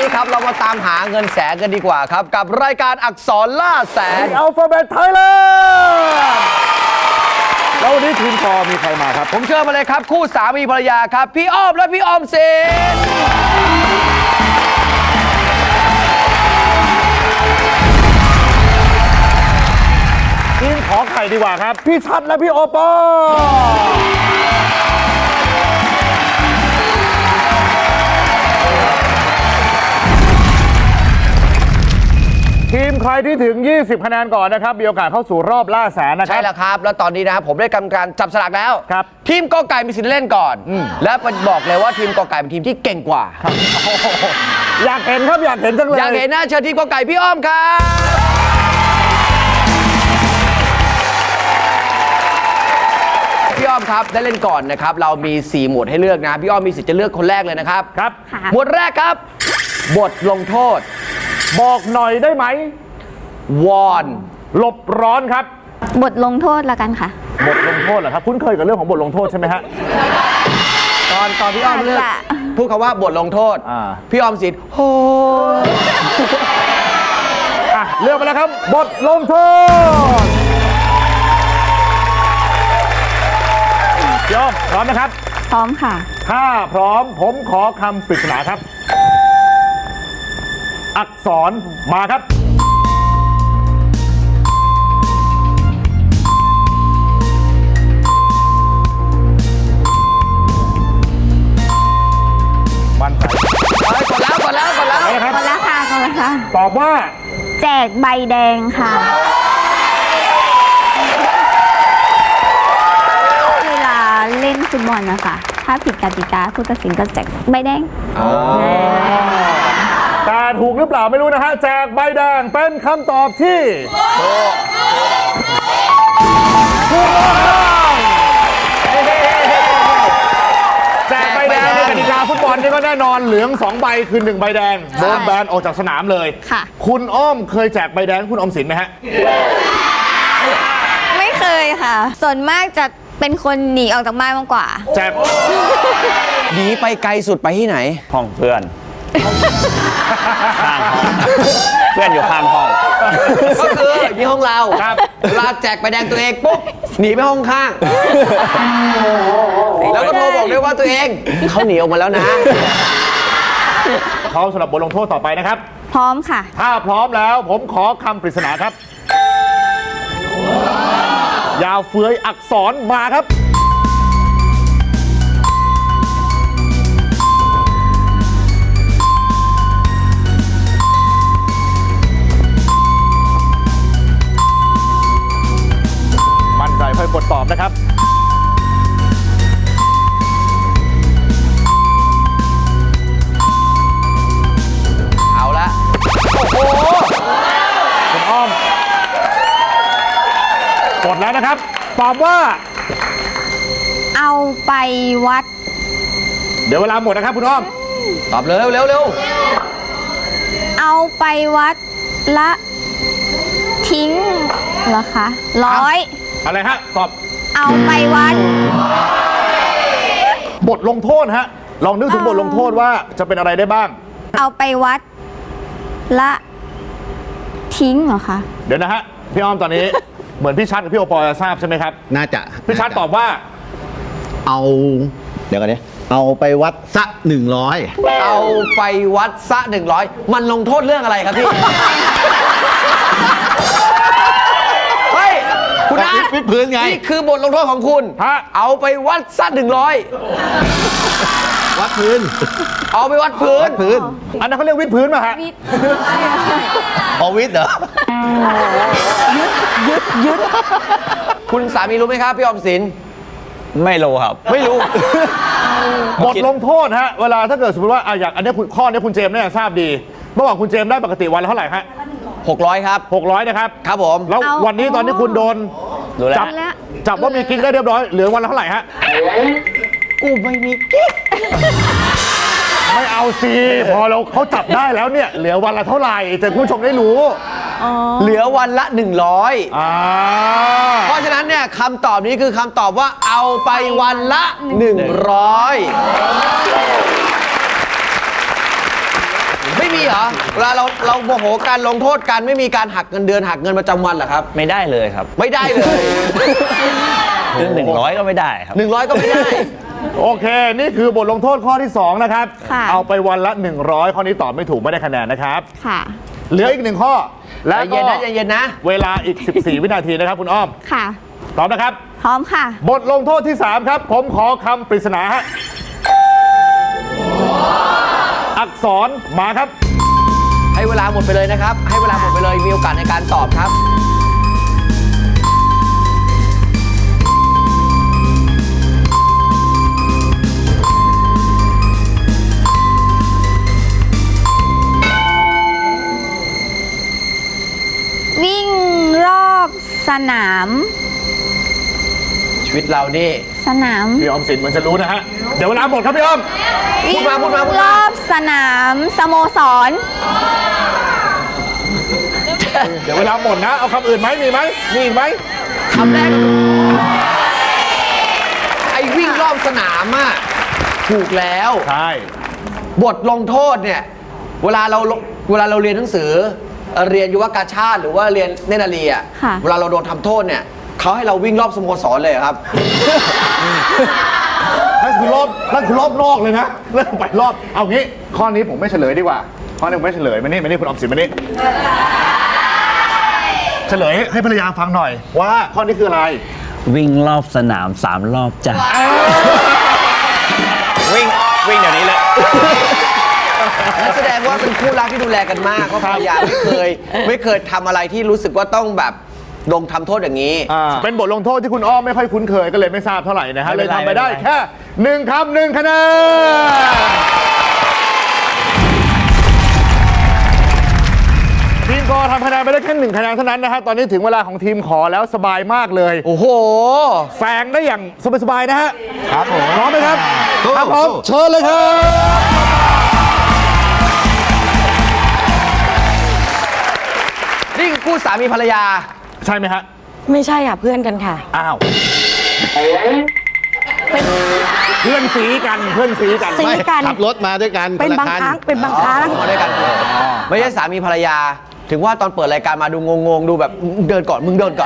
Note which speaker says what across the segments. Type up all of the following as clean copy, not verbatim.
Speaker 1: นี้ครับเรามาตามหาเงินแสนกันดีกว่าครับกับรายการอักษรล่าแสน
Speaker 2: อัลฟาเบตไทยแลนด์แล้ววันนี้ทีมคอมีใครมาครับ
Speaker 1: ผมเชิญมาเลยครับคู่สามีภรรยาครับพี่อ้อมและพี่ออมสิน
Speaker 2: ทีมขอไข่ดีกว่าครับพี่ชัดและพี่โอปอทีมใครที่ถึง20คะแนนก่อนนะครับมีโอกาสเข้าสู่รอบล่าแสนนะครับ
Speaker 1: ใช่แล้วครับแล้วตอนนี้นะครับผมได้กำการจับสลากแล้ว
Speaker 2: ครับ
Speaker 1: ทีมกอไก่มีสิทธิ์เล่นก่อนและบอกเลยว่าทีมกอไก่เป็นทีมที่เก่งกว่า
Speaker 2: อยากเห็นครับอยากเห็นจังเลย
Speaker 1: อยากเห็นหน้าเชิญทีมกอไก่พี่อ้อมครับพี่อ้อมครับได้เล่นก่อนนะครับเรามี4หมวดให้เลือกนะพี่อ้อมมีสิทธิ์จะเลือกคนแรกเลยนะครับ
Speaker 2: ครับ
Speaker 1: หมวดแรกครับบทลงโทษ
Speaker 2: บอกหน่อยได้ไหม
Speaker 1: วอน
Speaker 2: หลบร้อนครับ
Speaker 3: บทลงโทษละกันค่ะ
Speaker 2: บทลงโทษเหรอครับคุ้นเคยกับเรื่องของบทลงโทษใช่ไหมฮะ
Speaker 1: ตอนพี่อ้อมเลือกพูดคำว่าบทลงโทษพี่อ้อมสิทธิ์โอ้
Speaker 2: เลือกไปแล้วครับบทลงโทษพี่อ้อมพร้อมนะครับ
Speaker 3: พร้อมค่ะ
Speaker 2: ถ้าพร้อมผมขอคำปริศนาครับอักษรมาครับมั่นใจ
Speaker 1: กดแล้ว
Speaker 3: กดแล้วค่ะ
Speaker 2: ตอบว่า
Speaker 3: แจกใบแดงค่ะเวลาเล่นฟุตบอลนะคะถ้าผิดกติกาผู้ตัดสินก็แจกใบแดง
Speaker 2: แต่ถูกหรือเปล่าไม่รู้นะฮะแจกใบแดงเป็นคำตอบที่ถูกต้องแจกใบแดงในกติกาฟุตบอลนี่ก็แน่นอนเหลือง2ใบคือ1ใบแดงโดนแบนออกจากสนามเลย
Speaker 3: ค่ะ
Speaker 2: คุณอ้อมเคยแจกใบแดงคุณออมสินไหมฮะ
Speaker 3: ไม่เคยค่ะส่วนมากจะเป็นคนหนีออกจากบ้านมากกว่า
Speaker 2: แจก
Speaker 1: หนีไปไกลสุดไปที่ไหน
Speaker 4: ห้องเพื่อนข้างห้องเพื่อนอยู่ข้างห้อง
Speaker 1: ก็คือที่ห้องเราเวลาแจกใบแดงตัวเองปุ๊บหนีไปห้องข้างแล้วก็โทรบอกด้วยว่าตัวเองเขาหนีออกมาแล้วนะ
Speaker 2: พร้อมสำหรับบทลงโทษต่อไปนะครับ
Speaker 3: พร้อมค่ะ
Speaker 2: ถ้าพร้อมแล้วผมขอคำปริศนาครับยาวเฟื้อยอักษรมาครับมั่นใจค่อยกดตอบนะครับ
Speaker 1: เอาละโอ้โห
Speaker 2: คุณอ้อมกดแล้วนะครับตอบว่า
Speaker 3: เอาไปวัด
Speaker 2: เดี๋ยวเวลาหมดนะครับคุณอ้อม
Speaker 1: ตอบเร็ว
Speaker 3: เอาไปวัดละทิ้งเหรอคะ100
Speaker 2: อะไรฮะตอบ
Speaker 3: เอาไปวัด
Speaker 2: บทลงโทษฮะลองนึกถึงบทลงโทษว่าจะเป็นอะไรได้บ้าง
Speaker 3: เอาไปวัดละทิ้งเหรอคะ
Speaker 2: เดี๋ยวนะฮะพี่อ้อมตอนนี้ เหมือนพี่ชัดกับพี่โอปอจะทราบใช่ไหมครับ
Speaker 4: น่าจะ
Speaker 2: พี่ชัดตอบว่า
Speaker 4: เดี๋ยวก่อนนี้เอาไปวัดซะ100
Speaker 1: เอาไปวัดซะ100มันลงโทษเรื่องอะไรครับพี่เฮ้ยคุณอาร์ต
Speaker 4: วิดพื้นไง
Speaker 1: นี่คือบทลงโทษของคุณเอาไปวัดซะ100
Speaker 4: วัดพื้น
Speaker 1: เอาไปวัดพื้น
Speaker 2: อันนั้นเขาเรียกวิดพื้นป่ะฮะ
Speaker 4: วิดเหรอ
Speaker 1: ยึดคุณสามีรู้ไหมครับพี่ออมสิน
Speaker 4: ไม่รู้ครับ
Speaker 1: ไม่รู้
Speaker 2: บทลงโทษฮะเวลาถ้าเกิดสมมติว่าอย่างอันนี้ข้อนี้คุณเจมส์เนี่ยทราบดีเมื่อวานคุณเจมส์ได้ปกติวันละเท่าไหร่ฮะ
Speaker 1: 600ครับ
Speaker 2: 600นะครับ
Speaker 1: ครับผม
Speaker 2: แล้ววันนี้ตอนนี้คุณโดนจับว่ามีกิ๊กได้เรียบร้อยเหลือวันละเท่าไหร่ฮะ
Speaker 1: กูไม่มีกิ๊ก
Speaker 2: ไม่เอาสิพอเขาจับได้แล้วเนี่ยเหลือวันละเท่าไหร่แต่คุณผู้ชมได้รู้
Speaker 1: เหลือวันละ100เพราะฉะนั้นเนี่ยคำตอบนี้คือคำตอบว่าเอาไปวันละ100ไม่มีเหรอเวลาเราโมโหการลงโทษกันไม่มีการหักเงินเดือนหักเงินประจำวันเหรอครับ
Speaker 4: ไม่ได้เลยครับ
Speaker 1: ไม่ได้เลย
Speaker 4: ถึง100 ก็ไม่ได้ครับ
Speaker 1: 100 ก็ไม่ได้
Speaker 2: โอเค นี่คือบทลงโทษข้อที่ 2 นะครับ
Speaker 3: ค่ะ
Speaker 2: เอาไปวันละ 100 ข้อนี้ตอบไม่ถูกไม่ได้คะแนนนะครับ
Speaker 3: ค่ะ
Speaker 2: เหลืออีก 1 ข้อ และ
Speaker 1: ใจเย็
Speaker 2: ก็
Speaker 1: นนะใจเย็นนะ
Speaker 2: เวลาอีก 14 วินาทีนะครับคุณอ้อม
Speaker 3: ค่ะ
Speaker 2: ตอบนะครับ
Speaker 3: พร้อมค่ะ
Speaker 2: บทลงโทษที่ 3 ครับ ผมขอคำปริศนาฮะอักษรมาครับ
Speaker 1: ให้เวลาหมดไปเลยนะครับ ให้เวลาหมดไปเลยมีโอกาสในการตอบครับ
Speaker 3: วิ่งรอบสนาม
Speaker 1: ชีวิตเรานี่
Speaker 3: สนาม
Speaker 2: พี่ออมสินเหมือนจะรู้นะฮะ เดี๋ยวเวลาหมดครับพี่อ้อม
Speaker 1: พูดมาพูดมาพูด
Speaker 3: ร
Speaker 1: มา
Speaker 3: อบสนามสโมสร
Speaker 2: เดี๋ยวเวลาหมดนะ เอาคำอื่นไหมมีไหมมีอีกไหม
Speaker 1: คำแรกไอ้วิ่งรอบสนามอะถูกแล้ว
Speaker 2: ใช่
Speaker 1: บทลงโทษเนี่ยเวลาเราเรียนหนังสือเรียนยุวกาชาติหรือว่าเรียนเนตรนารีอ่ะ
Speaker 3: ค่ะ
Speaker 1: เวลาเราโดนทำโทษเนี่ยเขาให้เราวิ่งรอบสโมสรเลยเหรอครับ
Speaker 2: นั่นคือรอบนอกเลยนะเริ่มไปรอบ เอางี้ ข้อนี้ผมไม่เฉลยดีกว่า ข้อนี้ผมไม่เฉลยมานี่คุณออมสินมานี่เฉลยให้ภรรยาฟังหน่อย ว่าข้อนี้คืออะไร
Speaker 4: วิ่งรอบสนาม3 รอบจ้ะวิ่งเดี๋ยวนี้เลย
Speaker 1: นั่นแสดงว่าเป็นคู่รักที่ดูแลกันมากเพราะภรรยาไม่เคยทำอะไรที่รู้สึกว่าต้องแบบลงทำโทษอย่างนี้
Speaker 2: เป็นบทลงโทษที่คุณอ้อมไม่ค่อยคุ้นเคยก็เลยไม่ทราบเท่าไหร่นะฮะ
Speaker 4: ไม่
Speaker 2: เล
Speaker 4: เป็
Speaker 2: ย
Speaker 4: นไร
Speaker 2: ทำไปได้
Speaker 4: ไม่เป็นไร
Speaker 2: แค่1 คำ 1 คะแนนทีมกอทำคะแนนไปได้แค่1 คะแนนเท่านั้นนะฮะตอนนี้ถึงเวลาของทีมขอแล้วสบายมากเลย
Speaker 1: โอ้โห
Speaker 2: แซงได้อย่างสบายๆนะฮะ
Speaker 1: ครับผม
Speaker 2: พร้อมไหมครับ
Speaker 1: สู้
Speaker 2: ครับผม
Speaker 1: สู้
Speaker 2: เชิญเลยครับ
Speaker 1: นี่คือคู่สามีภรรยา
Speaker 2: ใช่ไหมฮะ
Speaker 5: ไม่ใช่ค่ะเพื่อนกันค่ะ
Speaker 2: อ้าวเพื่อนสีกันเพื่อนสีกัน
Speaker 5: สีกัน
Speaker 6: ขับรถมาด้วยกัน
Speaker 5: เป็น
Speaker 6: คละ
Speaker 5: บาง
Speaker 6: คั
Speaker 5: ครั้งเป็นบางครั้ง
Speaker 1: มาด้วยกันไม่ใช่สามีภรรยา ถึงว่าตอนเปิดรายการมาดูงงๆ ดูแบบเดินก่อนมึงเดินก่อน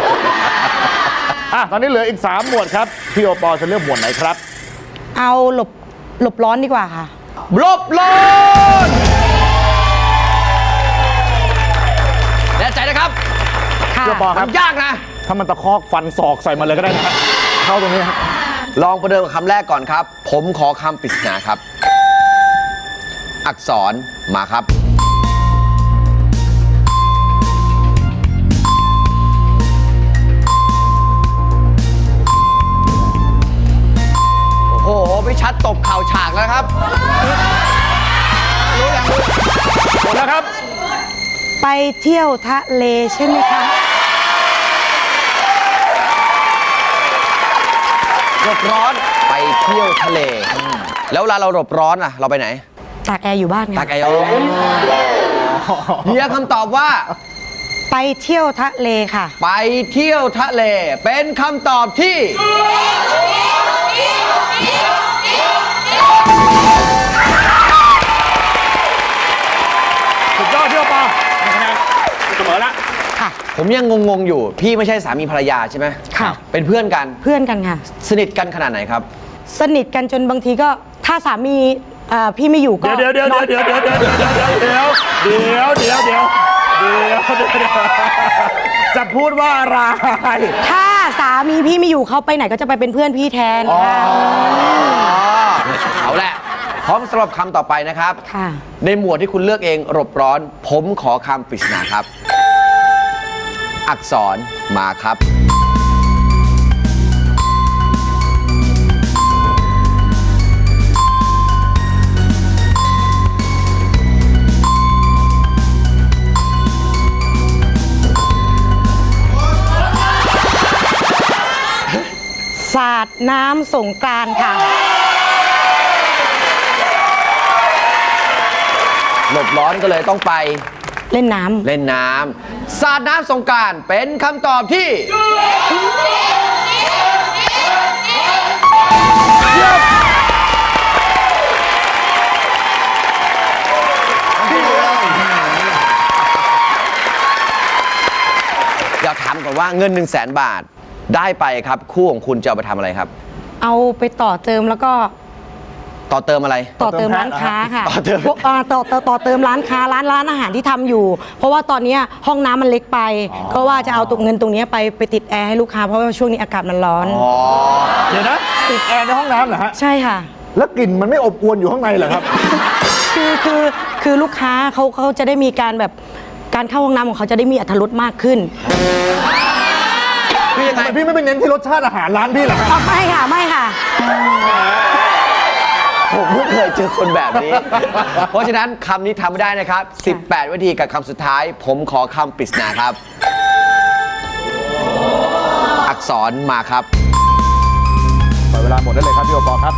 Speaker 2: ตอนนี้เหลืออีก 3 หมวดครับ พี่โอปอจะเลือกหมวดไหนครับ
Speaker 5: เอาหลบร้อนดีกว่าค่ะ
Speaker 1: ลบลนแน่ใจนะครับ
Speaker 5: ค่ะ
Speaker 2: พี่โอปอครับ
Speaker 1: มันยากนะ
Speaker 2: ถ้ามันตะคอกฟันศอกใส่มาเลยก็ได้นะฮะเข้าตรงนี้ฮะ
Speaker 1: ลองประเดิมกับคำแรกก่อนครับ ผมขอคำปริศนาครับ อักษรมาครับ โอ้โหพี่ชัดตบเข่าฉากแล้วครับ รู้อย่างรู้
Speaker 2: หมดแล้วครับ
Speaker 5: ไปเที่ยวทะเลใช่ไหมคะ
Speaker 1: หลบร้อนไปเที่ยวทะเล แล้วเวลาเราหลบร้อนอะเราไปไหน
Speaker 5: ตากแอร์อยู่บ้าน
Speaker 1: ตา
Speaker 5: ค่ะ
Speaker 1: ไกโอเฮียคำตอบว่า
Speaker 5: ไปเที่ยวทะเลค่ะ
Speaker 1: ไปเที่ยวทะเล เป็นคำตอบที่
Speaker 2: สุดยอดพี่โอปอคะแนนเสมอละ
Speaker 5: ค่ะ
Speaker 1: ผมยังงงๆอยู่ พี่ไม่ใช่สามีภรรยาใช่ไหม
Speaker 5: ค่ะ
Speaker 1: เป็นเพื่อนกัน
Speaker 5: เพื่อนกันค่ะ
Speaker 1: สนิทกันขนาดไหนครับ
Speaker 5: สนิทกันจนบางทีก็ถ้าสามีพี่ไม่อยู่ก็
Speaker 2: เดี๋ยวจะพูดว่าอะไร
Speaker 5: ถ้าสามีพี่ไม่อยู่เขาไปไหนก็จะไปเป็นเพื่อนพี่แทนค่ะ
Speaker 1: เอาแหละ พร้อมสำหรับคำต่อไปนะครับ
Speaker 5: ค่ะ
Speaker 1: ในหมวดที่คุณเลือกเองหลบร้อน ผมขอคำปริศนาครับ อักษรมาครับ
Speaker 5: สาดน้ำสงกรานต์ค่ะ
Speaker 1: หลบร้อนก็เลยต้องไป
Speaker 5: เล่นน้ำ
Speaker 1: เล่นน้ำสาดน้ำสงกรานต์เป็นคำตอบที่ พี่ามก่อนว่าเงิน 1 0 0 0 0แบาทได้ไปครับคู่ของคุณจะเอาไปทำอะไรครับ
Speaker 5: เอาไปต่อเติมแล้วก็
Speaker 1: ต่อเติมอะไร
Speaker 5: ต่อเติมร้านค้าค่ะ
Speaker 1: ต่อเติม
Speaker 5: พวกต่อเติมร้านค้าร้านอาหารที่ทำอยู่ เพราะว่าตอนเนี้ยห้องน้ำมันเล็กไป ก็ว่าจะเอาเงินตรงเนี้ยไปติดแอร์ให้ลูกค้าเพราะว่าช่วงนี้อากาศมันร้อน
Speaker 2: เดี๋ยวนะติดแอร์ในห้องน้ำเหรอฮะ
Speaker 5: ใช่ค่ะ
Speaker 2: แล้วกลิ่นมันไม่อบอวนอยู่ข้างในเหรอครับ
Speaker 5: คือลูกค้าเขาจะได้มีการแบบการเข้าห้องน้ำของเขาจะได้มีอรรถรสมากขึ้น
Speaker 1: คือยังไง
Speaker 2: ทำไมพี่ไม่ไปเน้นที่รสชาติอาหารร้านพี่เหรอครับ
Speaker 5: ไม่ค่ะไม่ค่ะ
Speaker 1: ผมเพิ่งเคยเจอคนแบบนี้ เพราะฉะนั้นคำนี้ทำไม่ได้นะครับ 18 วินาทีกับคำสุดท้าย ผมขอคำปริศนาครับ อักษรมาครับ
Speaker 2: ปล่อยเวลาหมดได้เลยครับพี่โอปอล์ครับ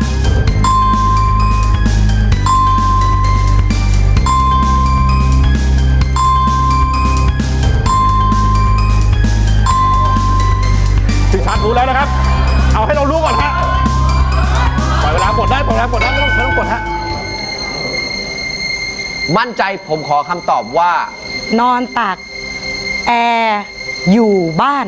Speaker 2: พี่ชัดรู้แล้วนะครับ เอาให้เรารู้ก่อนฮะปล่อยเวลาหมดได้ปล่อยเวลาหมดได้ไม่ต้องกดฮะ
Speaker 1: มั่นใจผมขอคำตอบว่า
Speaker 5: นอนตากแอร์อยู่บ้าน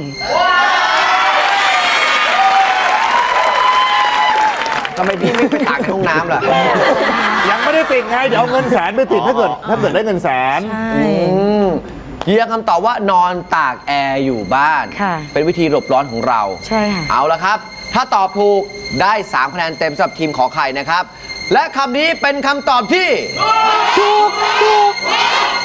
Speaker 1: ทำไมพี่ไม่ไปตากในห้องน้ำล่ะ
Speaker 2: ยังไม่ได้ติดไง เดี๋ยวเอาเงินแสนไปติดถ้าเกิดได้เงินแสน
Speaker 5: ใช่
Speaker 1: ยืนยันคำตอบว่านอนตากแอร์อยู่บ้าน
Speaker 5: ค่ะ
Speaker 1: เป็นวิธีหลบร้อนของเรา
Speaker 5: ใช่ค่ะ
Speaker 1: เอาละครับ ถ้าตอบถูกได้ 3 คะแนนเต็มสำหรับทีมขอไข่นะครับ และคำนี้เป็นคำตอบที่
Speaker 5: ถูก